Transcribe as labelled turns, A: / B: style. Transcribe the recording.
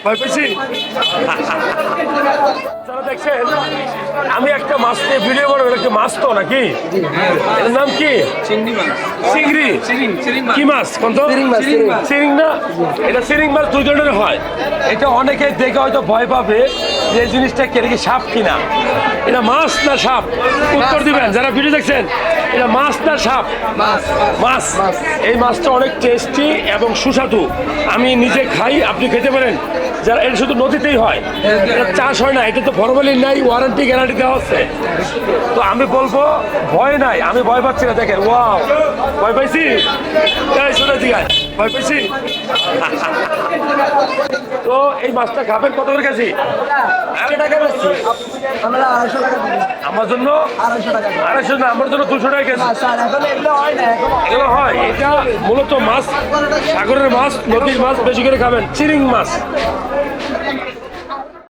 A: ভয় পেয়েছি। যারা দেখছেন আমি একটা মাছ নিয়ে ভিডিও করবো, একটা মাছ তো নাকি, এর নাম কি? চিংড়ি। কি মাছ? কোন তো? চিরিং না? এটা চিরিং মাছ দুই ধরনের হয়। এটা অনেকে দেখে হয়তো ভয় পাবে যে এই জিনিসটা কি, এটা কি সাপ কিনা। এটা মাছ না সাপ? উত্তর দিবেন যারা ভিডিও দেখছেন। এটা মাছ না সাপ? মাছ। এই মাছটা অনেক টেস্টি এবং সুস্বাদু। আমি নিজে খাই, আপনি খেতে পারেন। যারা এটা শুধু নদীতেই হয়, এটা চাষ হয় না। এটা তো ফরমালিন নাই, ওয়ারেন্টি গ্যারান্টি দেওয়া হচ্ছে। তো আমি বলবো ভয় নাই, আমি ভয় পাচ্ছি না। দেখেন, ওয়াও, ভয় পাইছি? শুনে দিঘায় ভয় পাইছি। তো এই মাছটা খাবেন কত করে কেজি? আমার জন্য 250 না, আমার জন্য 200 টাকা কেজি। এগুলো হয়, এটা মূলত মাছ, সাগরের মাছ, নদীর মাছ বেশি করে খাবেন। চিরিং মাছ